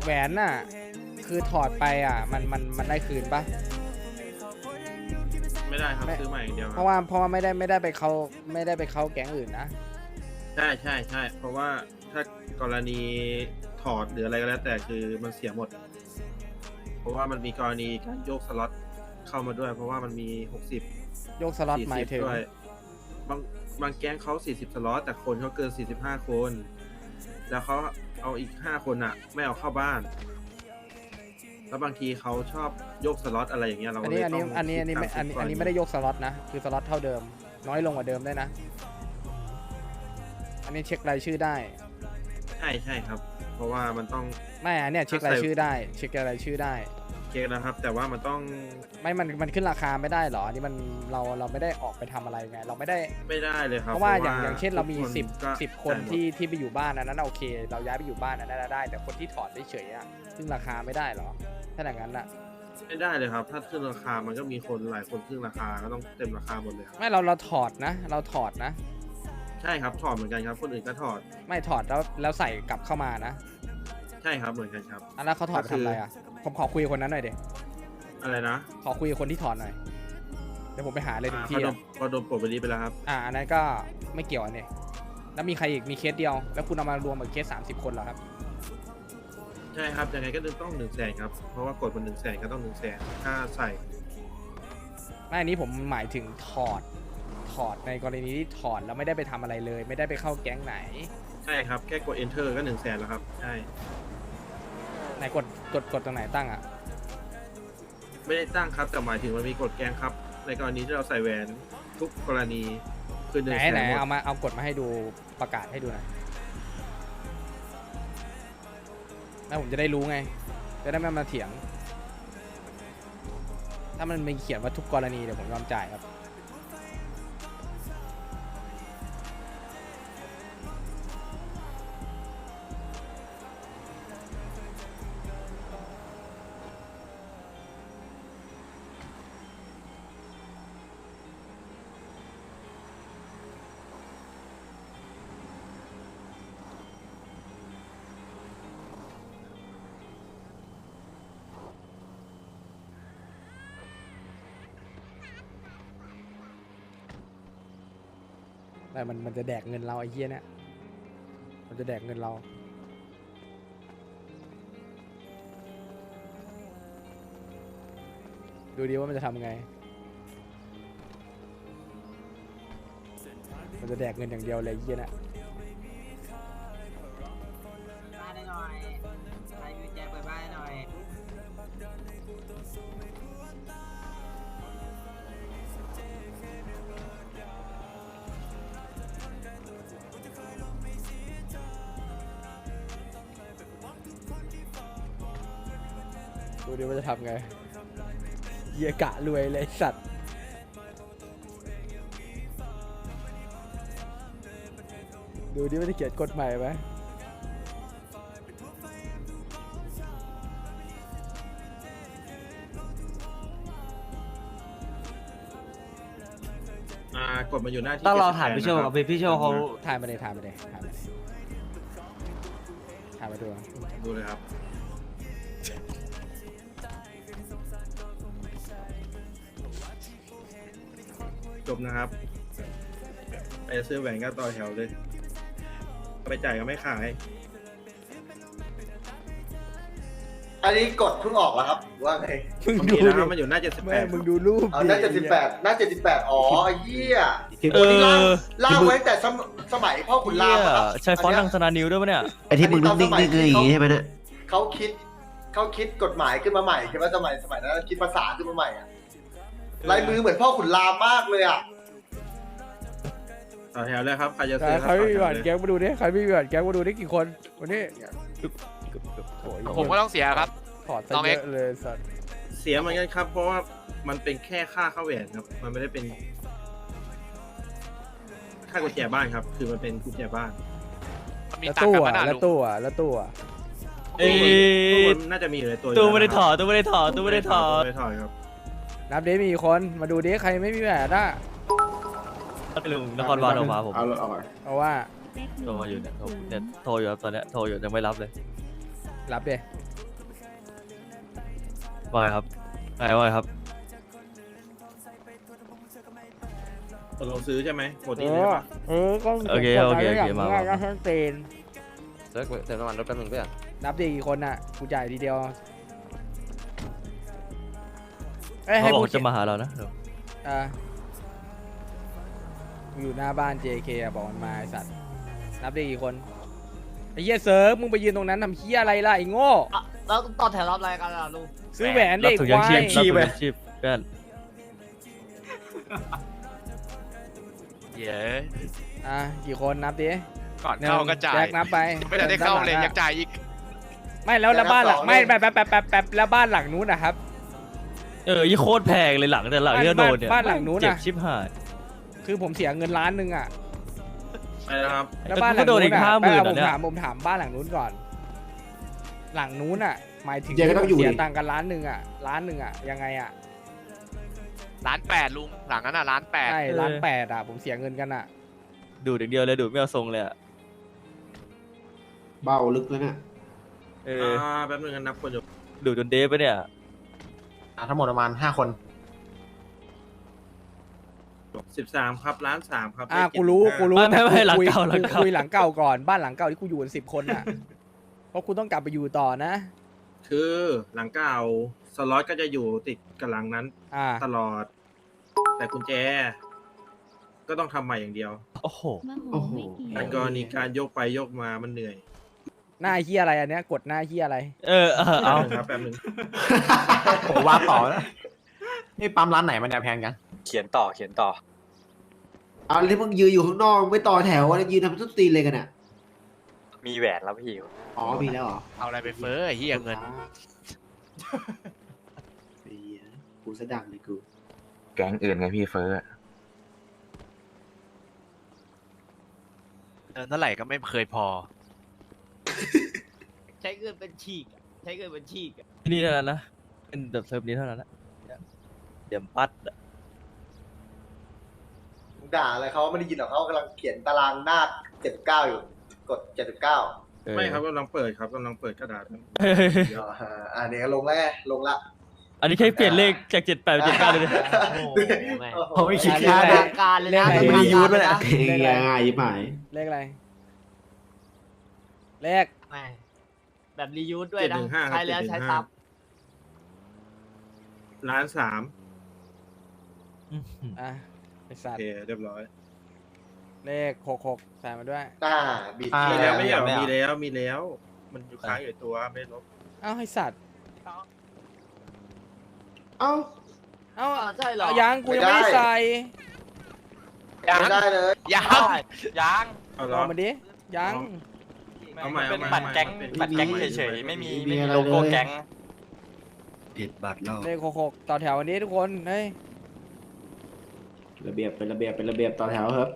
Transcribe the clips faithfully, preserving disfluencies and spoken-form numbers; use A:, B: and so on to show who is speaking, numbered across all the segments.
A: แหวนน่ะคือถอดไปอ่ะมันมันมันได้คืนปะ
B: ไม่ได้ครับซื้อใหม่อย่างเดียวค
A: เพ
B: รับ
A: ราะว่าเพราะว่าไม่ได้ไม่ได้ไปเขาไม่ได้ไปเข้าแก๊งอื่นนะ
B: ใช่ใช่ใช่เพราะว่าถ้ากรณีถอดหรืออะไรก็แล้วแต่คือมันเสียหมด เพราะว่ามันมีกรณีการโยกสล็อตเข้ามาด้วย เพราะว่ามันมีหกสิบ
A: โยกสล็อต
B: สี่
A: หมาย
B: สิบ
A: ถึง
B: ด้วยบางบางแก๊งเขาสี่สิบสล็อตแต่คนเขาเกินสี่สิบห้าคนแล้วเขาเอาอีกห้าคนอ่ะ ไม่เอาเข้าบ้าน แล้วบางทีเขาชอบโยกสล็อตอะไรอย่างเงี้ยเรา
A: อั
B: ก็
A: น
B: เล
A: นี้
B: ย
A: อัน
B: ต้
A: นี้
B: อง
A: อันนี้อันนี้ไม่อันนี้อันนี้ไม่ได้ยกสล็อตนะคือสล็อตเท่าเดิม น้อยลงกว่าเดิมได้วยนะ อันนี้เช็ครายชื่อได้
B: ใช่ใช่ครับ เพราะว่ามันต้อง
A: ไม่อันเนี้ยเช็ครายชื่อได้ เช็ครายชื่อได้
B: เช็คนะครับ แต่ว่ามันต้อง
A: ไม่มันมันขึ้นราคาไม่ได้เหรออันนี้มันเราเราไม่ได้ออกไปทำอะไรไงเราไม่ได้
B: ไม่ได้เลยครับ
A: เพราะว่าอย่างอย่างเช่นเรามี
B: ทุก
A: สิบ
B: ก็
A: สิบคน
B: จ่ายหมด
A: ที่ที่ไปอยู่บ้านอันนั้นโอเค เราย้ายไปอยู่บ้านอันนั้นได้ แต่คนที่ถอดเฉยๆอ่ะซึ่งราคาไม่ได้เหรอถ้าอย่างนั้นอ่ะ
B: ไม่ได้เลยครับ ถ้าขึ้นราคามันก็มีคนหลายคนขึ้นราคาก็ต้องเต็มราคาหมดเลยครับ
A: ไม่เราเราถอดนะ เราถอดนะ
B: ใช่ครับถอดเหมือนกันครับ คนอื่นก็ถอด
A: ไม่ถอดแล้วแล้วใส่กลับเข้ามานะ
B: ใช่ครับเหมือนกันครับ
A: อันนั้นเขาถอดไปทำอะไรอ่ะผมขอคุยกับคนนั้นหน่อยเด็
B: อะไรนะ
A: ขอคุยกับคนที่ถอดหน่อยเดี๋ยวผมไปหาเลยถึง
B: อ่า
A: ที่
B: เขาโด
A: อะ
B: นเขาโดนปลดไปนี้ไปแล้วครับ
A: อ่าอันนั้นก็ไม่เกี่ยวอันนี้แล้วมีใครอีกมีเคสเดียว แล้วคุณเอามารวมกับเคสสามสิบคนเหรอครับ
B: ใช่ครับยังไงก็ต้องหนึ่งแสนครับ เพราะว่ากดมันหนึ่งแสนก็ต้องหนึ่งแสนค่าใส่
A: ไม่อันนี้ผมหมายถึงถอดถอดในกรณีที่ถอดแล้วไม่ได้ไปทำอะไรเลย ไม่ได้ไปเข้าแก๊งไหน
B: ใช่ครับแค่กด enter ก็หนึ่งแสนแล้วครับใช่
A: ไหนกดกดกดตรงไหนตั้งอ่ะ
B: ไม่ได้ตั้งครับแต่หมายถึงมันมีกฎแกงครับ ในกรณีที่เราใส่แหวนทุกกรณีคือหนึ่
A: ไหน
B: งแส
A: ไหน
B: นหมด
A: เอามาเอากดมาให้ดูประกาศให้ดูหน่อยแล้วผมจะได้รู้ไง จะได้ไม่มาเถียง ถ้ามันมีเขียนว่าทุกกรณีเดี๋ยวผมยอมจ่ายครับ แต่มันมันจะแดกเงินเราไอ้เหี้ยเนี่ยมันจะแดกเงินเรา ดูดิว่ามันจะทำไง มันจะแดกเงินอย่างเดียวเลยไอ้เหี้ยเนะ
C: บ้านได้หน่อยใครมีกุญแจเปิดบ้านให้หน่อย
A: ดูดิว่าจะทำไงเหี้ยกะรวยเลยสัตว์ ดูดิว่าจะเขียนกฎใหม่ไหม
B: อ่ากดมาอยู่หน้าที่
D: ต้องรอ
B: เจ็ดสิบ
D: ถามพี่โชว์
B: แปด
D: กับ
B: นะ
D: พี่โชว์เขา
A: ถ่ายมาเลยถ่ายมาเลยถ่ายมาเลยถ่ายมาดู
B: ดูเลยครับ จบนะครับ ไปซื้อแหวนก็ต่อแถวเลย ไปจ่ายก็ไม่ขาย
E: อันนี้กดเพิ่งออกแล้วครับหรือว่าไง
A: มึง
B: มัน
A: ดู
B: มีนะครับ
A: ดิ
B: มันอยู่หน้าเจ็ดสิบแป
A: แม่
B: ด
A: มึงดูรูป
E: เอาหน้าเจ็ดสิบแปดหน้าเจ็ดสิบแปดอ๋อไอ้เหี้ย
D: เอ
E: คนนี้ล่าง
D: อ
E: ล่างไว้แต่สมสมัยพ่อขุนรามอะครับ
D: ใช้ฟอนต์ทางสนานิวด้วยปะเนี่ย
F: ไอ้ที่มึงนิ่งๆนี่คืออย่างงี้ใช่ไหมเนี่ย
E: เขาคิดเขาคิดกฎหมายขึ้นมาใหม่ใช่ไหมสมัยสมัยนั้นคิดภาษาขึ้นมาใหม่อะลายมือเหมือนพ่อขุนรามมากเลยอ่ะ
B: ต่อแถวเลยครับ ใครจะ
A: ใคร
B: ซื้อ
A: ใครไม่มี
B: ต่
A: บั
B: อ
A: ตร
B: แถว
A: แก๊
B: เลย
A: งมาดูดิใครไม่มีบัตรแก๊งมาดูดิกี่คนวันนี้โอ้ย
G: ผมก็ต้องเสียครับ
A: ถอดซะ
G: น้อง
A: เย
G: เอ็ก
A: อะเลยสัตว์
B: เสียเหมือนกันครับ เพราะว่ามันเป็นแค่ค่าเข้าแหวนครับ มันไม่ได้เป็น ค่ากุญแจบ้านครับ คือมันเป็นกุญแจบ้าน
G: มันมี
A: แล้ว
G: ตัง
A: ตู้
G: ค์กัน
A: อ่ะ
G: ปะน่ะ
A: แล้ว
G: ลุง
A: ตู้อ่ะแล้วตู้อ่ะ
D: เอ้ย
B: ตู้มันน่าจะมีอยู่ในตัวอยู่
D: ตู้ไม่ได้
B: แล้ว
D: ถ
B: นะ
D: อดตู้ไม่ได้ถอดตู้ไม่ได้ถอด
B: ไม่ได้ถอดครับ
A: นับดิมีกี่คนมาดูดิใครไม่มีบัตรอ่ะ
D: ลุงนครบาลโทรมาผม
E: เอาเอา
A: เพราะว่า
D: โทรมาอยู่เนี่ยโทรเนี่ยโทรอยู่ครับตอนเนี้ยโทรอยู่ยังไม่รับเลย
A: รับดิ
D: ว่าไงครับไงว่าไงครับ
B: ตกลงซื้อใช่ไหมหมด
A: เอ
B: นี่เลย
A: อ
B: ปะ
A: เออก็
D: โอเคโอเคโอเคมามา
A: ก็ทั้งเตน
G: เลิกเติมน้ำมันรถแป๊บนึงเพื่อน
A: นับดีกี่คนอ่ะกูจ่ายทีเดียวเอ้ย
D: เขา
A: ให้
D: บอก
A: กู
D: ว่าจะมาหาเรานะเดี๋ยว
A: อ่ะกูอยู่หน้าบ้าน เจ เค อ่ะบอกมันมาไอสัตว์นับดีกี่คนไอ้เหี้ยเซิร์ฟมึงไปยืนตรงนั้นทำเหี้ยอะไรล่ะไอ้โง่
C: อ่ะแล้วต่อแถวรับอะไรกันล่ะลุง
A: ซื้อแหวน
D: รับ
A: เด็ก
D: ถุงยัง
A: ควา
D: ชีพ
A: ย
D: รับถุงยังชีพเพื่อน
H: เย้
A: อ่ะกี่คนนับดิ
H: ก่อนเข้าก็จ่าย
A: แจ็คนับไป
H: ไม่ได้เข้าเลย
A: ด้นห
H: ยังจ่ายอีก
A: ไม่แล้วแล้วบ้านหลังไม่แบบแบบแบบแบบแบบแล้วบ้านหลังนู้นนะครับ
D: เออยี่โคตรแพงเลยหลังแต่หลังที่โดนเนี่ย
A: บ้านหลังนู้น
D: เจ็บ
A: น่ะ
D: ชิบหาย
A: คือผมเสียเงินล้านหนึ่งอ่ะ
B: ไปแล้วครับ
A: แล้วบ้านหลั
D: ก็
A: ง
D: โดน
A: นู้
D: อี
A: น
D: ก
A: อ่ะ
D: ห้าหมื่น
A: ผ
D: อ่ะ
A: ม
D: เนี่ย
A: ถามผมถามบ้านหลังนู้นก่อน หลังนู้นอ่ะ หมายถึง
F: เจ๊ก็ต้องอยู่
A: เสีย
F: ดิ
A: ตังค์กันล้านหนึ่งอ่ะล้านหนึ่งอ่ะยังไงอ่ะ
H: ร้านแปดลุง หลังนั้นอ่ะร้านแปด
A: ใช่ล้านแปดอ่ะผมเสียเงินกันอ่ะ
D: ดูดอย่างเดียวเลยดูดไม่เอาทรงเลยอ่ะ
F: เบาลึกแล้วเนี่ย
D: เอ
B: อ่
D: อา
B: แป๊บนึงนับคนอยู่
D: ดูดจนเดฟไปะเนี่ย
E: อ่ะทั้งหมดประมาณห้าคน
B: สิบสามครับล้านสามครับ
A: อ่ะ
B: เลข
A: กูรู้
B: เจ็ด
A: กู
B: สิบห้า
A: รู้
D: ไม่ไม่ไม่หลัง
A: คุย
D: เก่าหลังเก่า
A: คุยหลังเก่าก่อนบ้านหลังเก่าที่กูอยู่กันสิบคนอ่ะ เพราะกูต้องกลับไปอยู่ต่อนะ
B: คือหลังเก่าสล็อตก็จะอยู่ติดกับหลังนั้น
A: อ่า
B: ตลอด แต่กุญแจ ก็ต้องทำใหม่อย่างเดียว
D: โอ้โห
F: โอ้โห
B: แต่กรณีการโยกไปโยกมามันเหนื่อย
A: หน้าเฮียอะไรอันเนี้ยกดหน้าเฮียอะไร
D: เออเออเอา
B: แป๊บนึงครับแป๊บนึง
E: ผมว่าต่อนะนี่ปั๊มร้านไหนมันเนี่ยแพงกัน
G: เขียนต่อเขียนต่อ
F: เอาที่มึงยืนอยู่ข้างนอกไม่ต่อแถวแล้วยืนทำต้นตีนเลยกันอ่ะ
G: มีแหวนแล้วพี่
F: อ๋อมีแล้วเหรอ
H: เอาอะไรไปเฟ้อไอ้เหี้ยเงิน
F: เหี้ยกูสะดังเลยกู
G: แก๊งอื่นไงพี่เฟ้อ
H: เงินเท่าไหร่ก็ไม่เคยพอ
C: ใช้เงินเป็นฉีกอะใช้เงินเป็นฉีกอะ
D: ที่นี่เท่านั้นนะเป็นแบบเซิร์ฟนี้เท่านั้นนะเดี๋ยวปัดอะ
E: มึงด่าอะไรเขาไม่ได้ยินหรอกเขากำลังเขียนตารางหน้าเจ็ดเก้าอยู่ กดเจ็ดสิบเก้า
D: เออ
B: ไม่ครับกำลังเปิดครับกำลังเปิดกระดาษครับ
D: เฮ้ย
E: อ่าเนี่ยลงแล้วไงลงละ
D: อันนี้แค่เปลี่ยนเลขจากเจ็ดแปดเป็นเจ็ดเก้าเลยนะ
C: โอ้โหแม่ง
E: ผมไม่คิด
A: เล
E: ค่า
A: ข
E: เด็
A: อะ
E: ก
A: ไร
C: การเลยนะ
A: เลขอะไร
C: ทำงานการเลยนะ
F: ง่ายๆยิ่งหมาย
A: เลขอะไร เลข
C: แม่งแบบรียูสด้วยนะ ใช้แล้วใช้ซ้
B: ล้านสาม
A: อ่ะไอสั
B: โอ
A: ตว์
B: เคเรียบร้อย
A: เลขหกหกใส่มาด้วย
E: อ่าบีบ
B: มี
E: ที่
B: แล้
E: แล้ว ว
B: ไม่
E: ไม่
B: ใช่
E: ย
B: เหร
E: อ
B: อ
E: ม
B: มีแล้วมีแล้ว มันอยู่ค้างอยู่ในตัวไม่ลบ
A: เอ้าไอสัตว์
F: เอ้า
A: เอ้า
C: ำอ่าใช่เหรอ
A: เอายังกูยังไม่ได้ใส่
H: ยัง
E: ไม่ได้เลย
H: ยังยัง
B: เอา
A: ล
B: ล้
A: อ
B: อง
A: มาดิยัง
B: เอาใหม่
G: เป็น
B: เอาใหม่
G: บัตรแก๊ง
B: เป็น
G: บัตรแก๊ง
B: ไม่มี
G: เฉยๆไม่มี
F: ไม่มี
G: ไม่มี
F: อะไร
G: โลโก้
F: เลย
G: แก๊ง
F: ผิดบัตรแล้ว
A: เลขหกหกต่อแถววันนี้ทุกคนเฮ้ย
F: ระเบียบเป็นระเบียบเป็นระเบียบต่อแถวครับ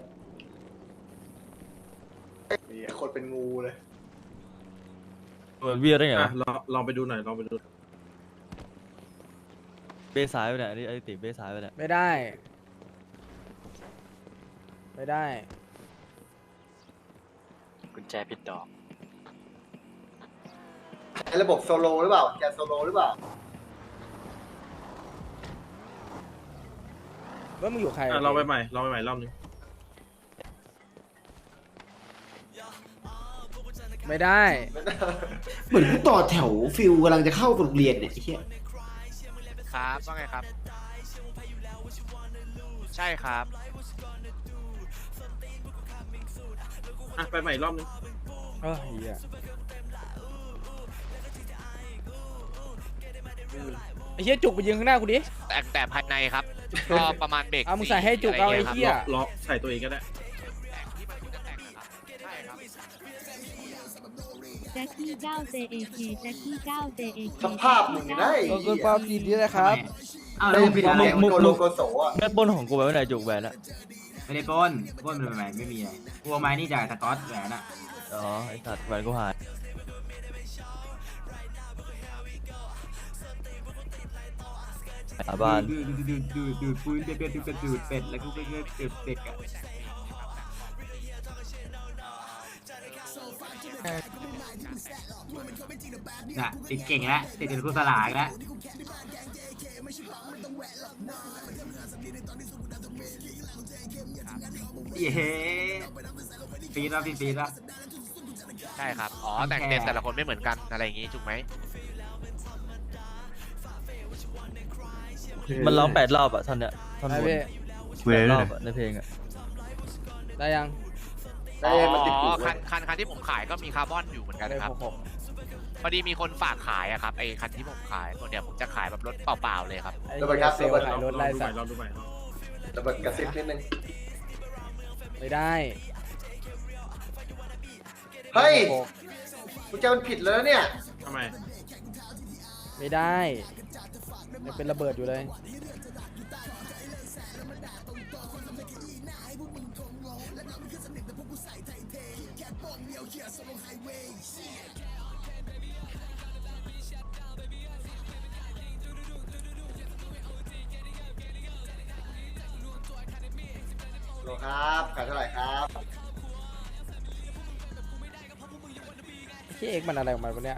E: นี่คนเป็นงูเลย
D: เหมือนเวียได้ไง
B: อ่ะ
D: วะ
B: ลองลองไปดูหน่อยลองไปดู
D: เบซ้ายไปเนี่ยอันนี้ไอ้ติเบซ้ายไปเนี่ย
A: ไม่ได้ ไม่ได้
G: กุญแจผิดดอก
E: ใช้ระบบโซโลหรือเปล่าแกนโซโลหรือเปล่า
A: ว่ามึงอยู่ใคร
B: อ่ะลองไปใหม่ลองไปใหม่รอบนึง
A: ไม่ได้
F: เหมือนกูต่อแถวฟิลกำลังจะเข้าโรงเรียนเนี่ยไอ้เหี้ย
H: ครับว่าไงครับ ใช่ครับ
B: อ่ะไปใหม่รอบนึง
A: เออเหี้ยไอ้เหี้ยจุกไปยืนข้างหน้ากูดิ
H: แต่แต่ภายในครับ ก็ประมาณเบรก
A: เอามึงใส่ให้จุกเอาไอ้
H: ะร
A: เหี้ย
H: งี้ครับ
B: ล็อกใส่ตัวเองก็ได้
H: แต่งที่มันควรจะแต่งนะครับใช่ครับ
I: แจ็คกี้เก้า เจ เอ เค แจ็คกี้เก้า เจ เอ เค
E: สภาพมึงนี่ได้
A: ขอบคุณความยินดีนะครับ
C: อ้าว
E: แล้
C: แล้ว วผิดอะไร
E: มึงโกโลโกโสอ่ะ
D: แม่ปล้นของกูไปไว้ไหนจุกแหวนอะ
C: ไม่ได้ปล้นปล้นเป็นใหม่ไม่มีอะไรกลัวไม้นี่จากสกอตแหวนอะ
D: อ๋อไอ้สัตว์แหวนกูหายหาบ้าน
C: ดูดูดูดูดูปืนเป็ดเป็ดเป็ดดูดเป็ดแล้วก็เป็ดเป็ดเป็ดเป็ดอะน่ะติดเก่งแล้วติดเป็นครูสลากแล้วเย้ฟีดแล้วฟีดฟีดแล้ว
H: ใช่ครับ อ๋อ แต่งเต็มแต่ละคนไม่เหมือนกันอะไรอย่างงี้ถูกไหม
D: มันร้องแปดรอบอะท่อนเนี้ยท่อน
A: ได้
D: บน
A: พี่
D: แปดรอบอะในเพลงอะ
A: ได้ยัง
E: ได้มันติดอยู่
H: อ๋อคันคันคันที่ผมขายก็มีคาร์บอนอยู่เหมือนกัน
A: ได้
H: ครับ
A: หกหก
H: พอดีมีคนฝากขายอะครับไอ้คันที่ผมขายเดี๋ยวผมจะขายแบบรถเปล่าๆเลยครับ
A: ไอ้เหี้ยเซลล์ขายรถไล่สัตว์
B: ลองดูใหม่
E: ระเบิดกระซิบนิดนึง
A: ไม่ได้
E: เฮ้ย
A: หก
E: กูจะมันผิดแล้วเนี่ย
B: ทำไม
A: ไม่ได้ยังเป็นระเบิดอยู่เลย
E: โลครับขายเท่าไหร่ครับ
A: ที่เอ็กมันอะไรของมันวะเนี่ย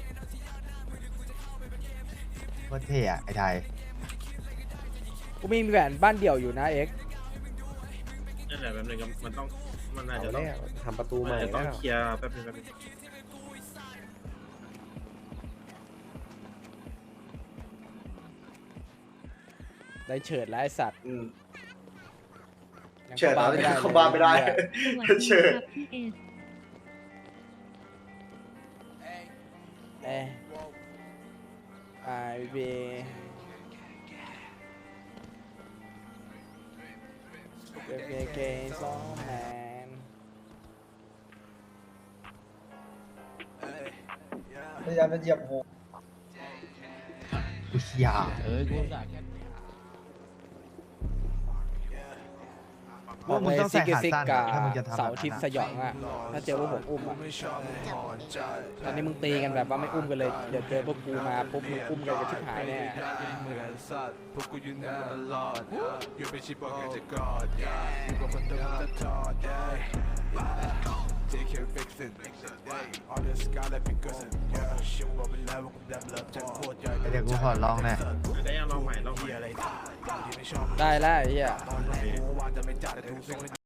J: โคตรเท่อะไอ้ไทย
A: กูมีแหวนบ้านเดี่ยวอยู่นะเอ็ก
B: นั่นแหละแบบนึงมันต้องมันน่าจะต้อง
F: ทำประตูใหม่
B: มันจะต้อง
F: แล้ว
B: เคลียร์แป๊บนึงแป๊บนึง
A: ได้เฉิดแล้วไอสัตว์
E: อืม
A: ยัง
E: เฉิด
A: ข้า
E: แล้ว
A: บ้าน
E: เข้าบ้านไม่ได้
A: เลย
I: สวัสดี
E: เชิ
I: ค
E: ญ
I: รับพี่เอส
A: เอ้ไอบีเบเบเกย์สองแมน
E: พยายามจะเหยียบหัว
J: อุยยา
A: บอก
J: มึง
A: เลย
J: ต้อง
A: ซิ
J: ใส่
A: ก
J: ขา
A: ซิก
J: สั้น
A: กา
J: อะถ้ามึงจะทำ
A: เสาร์อาทิตย์สยองอ่ะ ถ้าเจอพวกผมอุ้มอ่ะตอนนี้มึงตีกันแบบว่าไม่อุ้มกันเลย เดี๋ยวเจอพวกกูมาปุ๊บมึงอุ้มกันกันชิบหายแน่
J: เดี๋ยวกูขอลองหน่อย
B: ได้ยังลองใหม่ลองใหม่
A: ได้แล้วไอ้เหี้ย